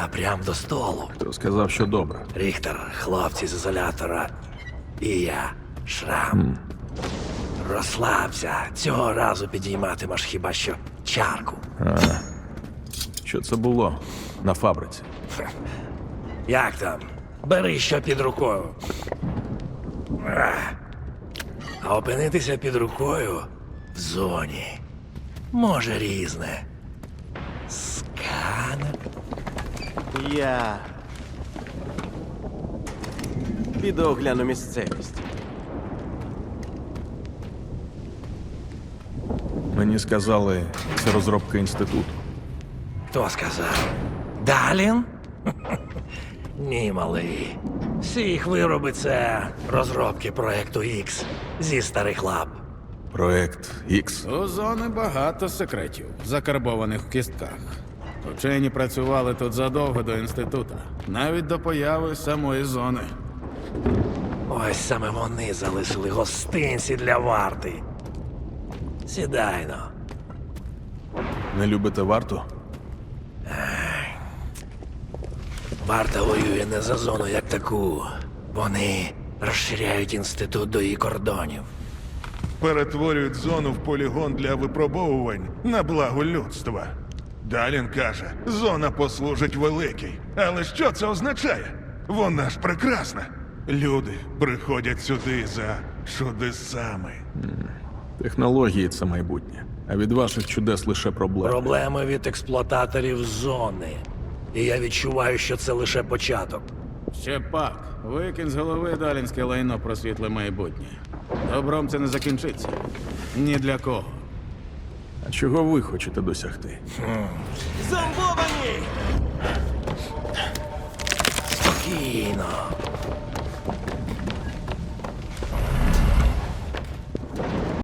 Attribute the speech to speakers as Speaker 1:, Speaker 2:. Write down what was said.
Speaker 1: прям до столу.
Speaker 2: Хто сказав, що добре?
Speaker 1: Ріхтер, хлопці з ізолятора. І я, Шрам. Розслабся. Цього разу підійматимеш хіба що чарку.
Speaker 2: Що це було на фабриці?
Speaker 1: Як там? Бери що під рукою. А опинитися під рукою в зоні може різне. Сканер.
Speaker 3: Я піду огляну місцевість.
Speaker 2: Мені сказали, це розробка інституту.
Speaker 1: Хто сказав? Далін? Ні, малий. Всі їх вироби це розробки проекту X зі старих лап.
Speaker 2: Проект X.
Speaker 4: У зони багато секретів, закарбованих в кістках. Вчені працювали тут задовго до інституту, навіть до появи самої зони.
Speaker 1: Ось саме вони залишили гостинці для варти. Сідайно.
Speaker 2: Не любите варту?
Speaker 1: Варта воює не за зону як таку. Вони розширяють інститут до її кордонів.
Speaker 5: Перетворюють зону в полігон для випробовувань на благо людства. Далін каже, зона послужить великій. Але що це означає? Вона ж прекрасна. Люди приходять сюди за чудесами.
Speaker 2: Технології – це майбутнє. А від ваших чудес лише проблеми.
Speaker 1: Проблеми від експлуататорів зони. І я відчуваю, що це лише початок.
Speaker 4: Ще пак, викинь з голови далінське лайно про світле майбутнє. Добром це не закінчиться. Ні для кого.
Speaker 2: А чого ви хочете досягти?
Speaker 3: Зомбовані!
Speaker 1: Спокійно.